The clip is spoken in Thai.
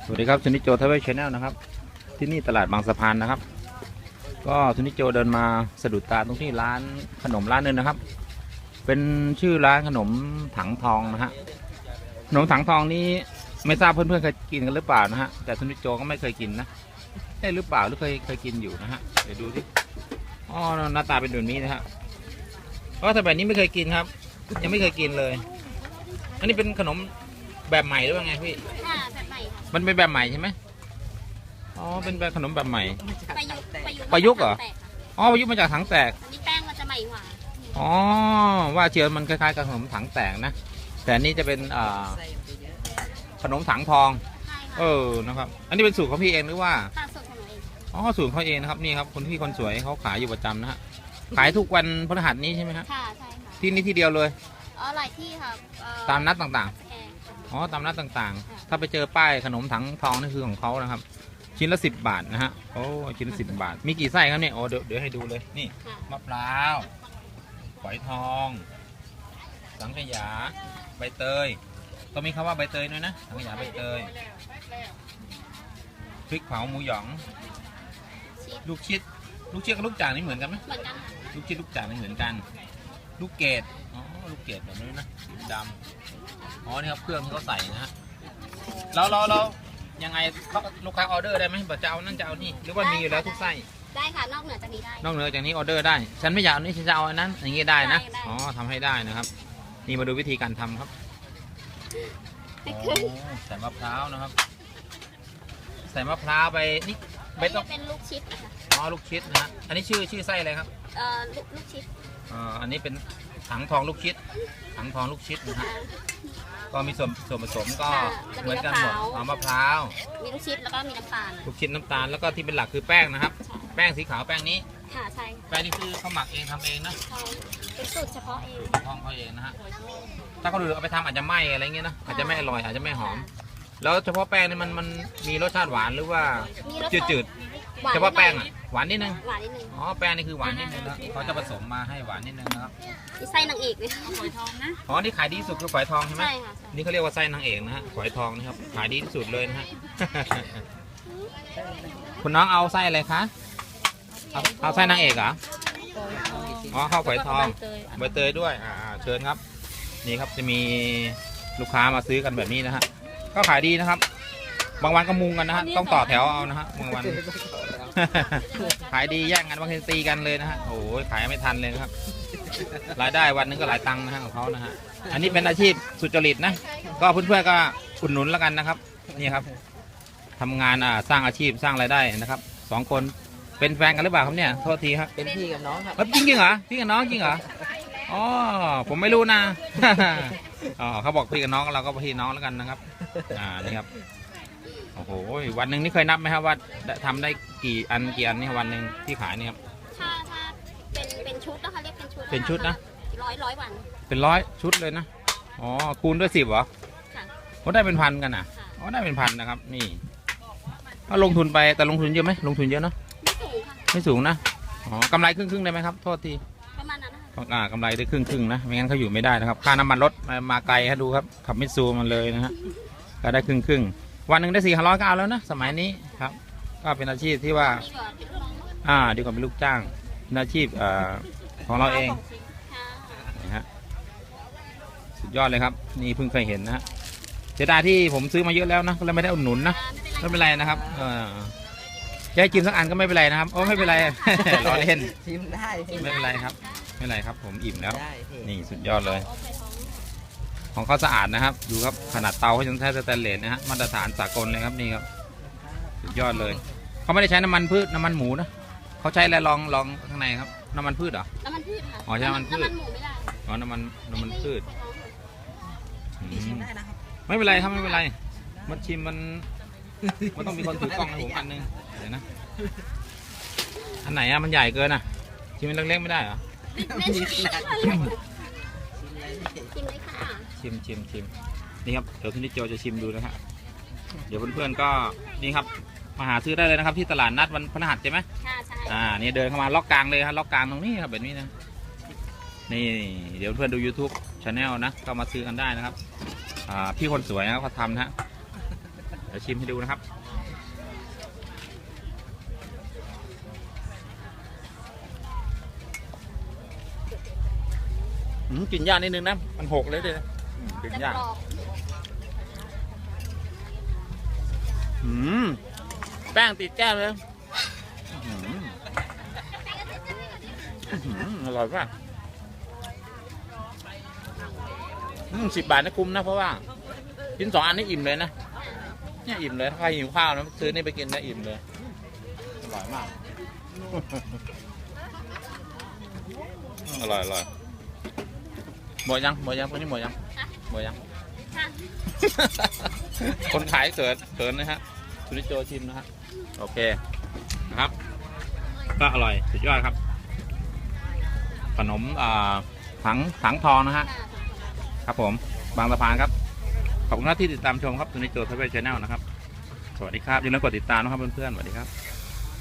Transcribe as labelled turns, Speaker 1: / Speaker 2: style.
Speaker 1: สวัสดีครับซุนิโจทเวชแนลนะครับที่นี่ตลาดบางสะพานนะครับก็ซุนิโจเดินมาสะดุดตาตรงที่ร้านขนมร้านนึงนะครับเป็นชื่อร้านขนมถังทองนะฮะขนมถังทองนี้ไม่ทราบเพื่อนๆเคยกินกันหรือเปล่านะฮะแต่ซุนิโจก็ไม่เคยกินนะได้หรือเปล่าหรือเคยกินอยู่นะฮะเดี๋ยวดูสิอ๋อหน้าตาเป็นแบบนี้นะฮะเพราะแต่แบบนี้ไม่เคยกินครับยังไม่เคยกินเลยอันนี้เป็นขนมแบบใหม่หรือว่าไงพี่
Speaker 2: ค่ะแบบใหม่ค่ะ
Speaker 1: มันเป็นแบบใหม่ใช่ไหมอ๋อเป็นแบบขนมแบบใหม่
Speaker 2: ประยุกต์
Speaker 1: เหรออ๋อประยุกต์มาจากถังแตก
Speaker 2: นี่แป้งมันจะใหม่กว่า
Speaker 1: อ๋อว่าเชียวมันคล้ายๆกับขนมถังแตกนะแต่อันนี้จะเป็นขนมถังทองนะครับอันนี้เป็นสูตรของพี่เองหรือว่า
Speaker 2: สูตรของหนูเอง
Speaker 1: อ๋อสูตรเขาเองนะครับนี่ครับคนที่คนสวยเขาขายอยู่ประจำนะฮะขายทุกวันพฤหัสนี้ใช่ไหมครับ
Speaker 2: ค่ะใช่ค่ะ
Speaker 1: ที่นี่ที่เดียวเลย
Speaker 2: หลายที่ค่ะ
Speaker 1: ตามนัดต่างๆอ๋อตามนัดต่างๆถ้าไปเจอป้ายขนมถังทองนี่คือของเขานะครับชิ้นละ10 บาทนะฮะโอ้ชิ้นละ10 บาทมีกี่ไส้ครับเนี่ยโอ้เดี๋ยวให้ดูเลยนี่มะพร้าวฝอยทองสังขยาใบเตยต้องมีคำว่าใบเตยด้วยนะสังขยาใบเตยพริกเผาหมูหยองลูกชิดกับลูกจ่างนี่เหมือนกันไหม
Speaker 2: เหมือนกัน
Speaker 1: ลูกชิดลูกจ่างนี่เหมือนกันลูกเกดอ๋อลูกเกดแบบนี้นะดำอ๋อนี่ครับเครื่องที่เขาใส่นะฮะแล้วยังไงลูกค้าออเดอร์ได้ไหมแบบจะเอานั่นจะเอานี่หรือว่ามีอยู่แล้วทุกไส้
Speaker 2: ได้ค่ะนอกเหนือจากนี้ได้
Speaker 1: นอกเหนือจากนี้ออเดอร์ได้ฉันไม่อยากเอานี้ฉันจะเอาอันนั้นอย่างงี้ได้นะอ๋อทำให้ได้นะครับนี่มาดูวิธีการทำครับใส่มะพร้าวนะครับใส่มะพร้าวไปนี่
Speaker 2: ไม่ต้องเป็นลูกชิดนะคะ
Speaker 1: อ๋อลูกชิดนะฮะอันนี้ชื่อไส้อะไรครับ
Speaker 2: ลูกชิด
Speaker 1: อันนี้เป็นถังทองลูกชิดถังทองลูกชิดนะฮะก็มีส่วนผสมก็เหมือนกันหมดมะพร้าว
Speaker 2: มีลูกชิดแล้วก็มีน้ำตาล
Speaker 1: ลูกชิดน้ำตาลแล้วก็ที่เป็นหลักคือแป้งนะครับแป้งสีขาวแป้งนี้
Speaker 2: ค่ะใช่
Speaker 1: แป้งนี่คือเขาหมักเองทำเองนะ
Speaker 2: เป็นสูตรเฉพาะเอง
Speaker 1: ทองเขาเองนะฮะถ้าเขาดูเอาไปทำอาจจะไหม้อะไรเงี้ยนะอาจจะไม่อร่อยอาจจะไม่หอมแล้วเฉพาะแป้งนี่มันมีรสชาติหวานหรือว่าจืดเฉพาะแป้งอ่ะหวานนิดนึงอ๋อแป้งนี่คือหวานนิดนึงนะเขาจะผสมมาให้หวานนิดนึงนะครับ
Speaker 2: ไส้นางเอกเลยฝอยทองนะ
Speaker 1: อ๋อนี่ขายดีที่สุดคือฝอยทองใช่ไหม
Speaker 2: ใช่ค่ะ
Speaker 1: นี่เขาเรียกว่าไส้นางเอกนะฮะฝอยทองนะครับขายดีที่สุดเลยนะฮะคุณน้องเอาไส้อะไรคะเอาไส้นางเอกเหรออ๋อข้าวฝอยทองใบเตยด้วยเชิญครับนี่ครับจะมีลูกค้ามาซื้อกันแบบนี้นะฮะก็ขายดีนะครับบางวันก็มุงกันนะฮะต้องต่อแถวเอานะฮะบางวันขายดีแย่งกันบางทีตีกันเลยนะฮะโอ้ยขายไม่ทันเลยนะครับรายได้วันนึงก็หลายตังค์นะฮะของเขานะฮะอันนี้เป็นอาชีพสุจริตนะก็เพื่อนๆก็อุดหนุนแล้วกันนะครับนี่ครับทำงานสร้างอาชีพสร้างรายได้นะครับ2 คนเป็นแฟนกันหรือเปล่าครับเนี่ยโทษทีครับ
Speaker 3: เป็นพี่กับน้องครับ
Speaker 1: จริงเหรอพี่กับน้องจริงเหรออ๋อผมไม่รู้นะอ๋อเขาบอกพี่กับน้องเราก็พี่น้องแล้วกันนะครับนี่ครับโอ้โหวันหนึ่งนี่เคยนับไหมครับว่าทำได้กี่อันนี่วันหนึ่งที่ขายนี่ครับ
Speaker 2: ถ้าเป็นชุดนะคะเรียก
Speaker 1: เป็นชุดนะ
Speaker 2: ร้อยวัน
Speaker 1: เป็น100 ชุดเลยนะอ๋อคูณด้วย10เหรอ
Speaker 2: ค่ะ
Speaker 1: เขาได้เป็นพันกันนะอ๋อได้เป็นพันนะครับนี่ก็ลงทุนไปแต่ลงทุนเยอะไหมลงทุนเยอะเนาะไม่สูงนะอ๋อกำไรครึ่งได้ไหมครับโทษที
Speaker 2: ประมาณนั้นนะคะ
Speaker 1: กำไรได้ครึ่งนะไม่งั้นเขาอยู่ไม่ได้นะครับค่าน้ำมันรถมาไกลฮะดูครับขับมิตซูมันเลยนะฮะก็ได้ครึ่งวันหนึ่งได้400ก็เอาแล้วนะสมัยนี้ครับก็เป็นอาชีพที่ว่าดีกว่าเป็นลูกจ้างเป็นอาชีพของเราเองนะฮะสุดยอดเลยครับนี่เพิ่งเคยเห็นนะฮะเสียดายที่ผมซื้อมาเยอะแล้วนะก็เลยไม่ได้อุดหนุนนะไม่เป็นไรนะครับจะให้กินสักอันก็ไม่เป็นไรนะครับโอ้ไม่เป็นไรรอเล่น
Speaker 3: ชิมได้
Speaker 1: ไม่เป็นไรครับไม่เป็นไรครับผมอิ่มแล้วนี่สุดยอดเลยของเขาสะอาดนะครับดูครับขนาดเตาเขายังใช้สแตนเลสนะฮะมาตรฐานสากลเลยครับนี่ครับสุดยอดเลยเขาไม่ได้ใช้น้ำมันพืชน้ำมันหมูนะเขาใช้อะไรลองข้างในครับน้ำมันพืชเหรอ
Speaker 2: น้ำมันพืชค่ะ
Speaker 1: อ๋อใช่น้ำมันพืช
Speaker 2: หมูไม่ได้
Speaker 1: อ๋อน้ำมันพืชไม่เป็นไรครับไม่เป็นไรมันชิมมันต้องมีคนถือกล้องให้ผมอันนึงเดี๋ยวนะอันไหนมันใหญ่เกินชิมมันเล็กๆไม่ได้เหรอ
Speaker 2: ชิมเลยค่ะ
Speaker 1: ชิมนี่ครับเดี๋ยวทุนนิโจจะชิมดูนะครับเดี๋ยวเพื่อนๆก็นี่ครับมาหาซื้อได้เลยนะครับที่ตลาดนัดวันพฤหัสใช่ไหม
Speaker 2: ใช่
Speaker 1: นี่เดินเข้ามาล็อกกลางเลยครับล็อกกลางตรงนี้ครับแบบนี้นะนี่เดี๋ยวเพื่อนดู YouTube Channel นะก็มาซื้อกันได้นะครับพี่คนสวยนะเขาทำนะฮะเดี๋ยวชิมให้ดูนะครับกินยากนิดนึงนะมันหกเลยเลยกินยากแป้งติดแก้วเลยอร่อยมาก10 บาทนะคุ้มนะเพราะว่ากิน2 อันนี่อิ่มเลยนะเนี่ยอิ่มเลยถ้าใครหิวข้าวนะซื้อนี่ไปกินนะอิ่มเลยอร่อยมากอร่อยหมดยังคนนี้หมดยังคนขายเกินนะฮะคุณนิโจชิมนะฮะโอเคนะครับก็อร่อยสุดยอดครับขนมถังทองนะฮะครับผมบางสะพานครับขอบคุณที่ติดตามชมครับคุณนิโจทวีชแนลนะครับสวัสดีครับอย่าลืมกดติดตามนะครับเพื่อนๆสวัสดีครับ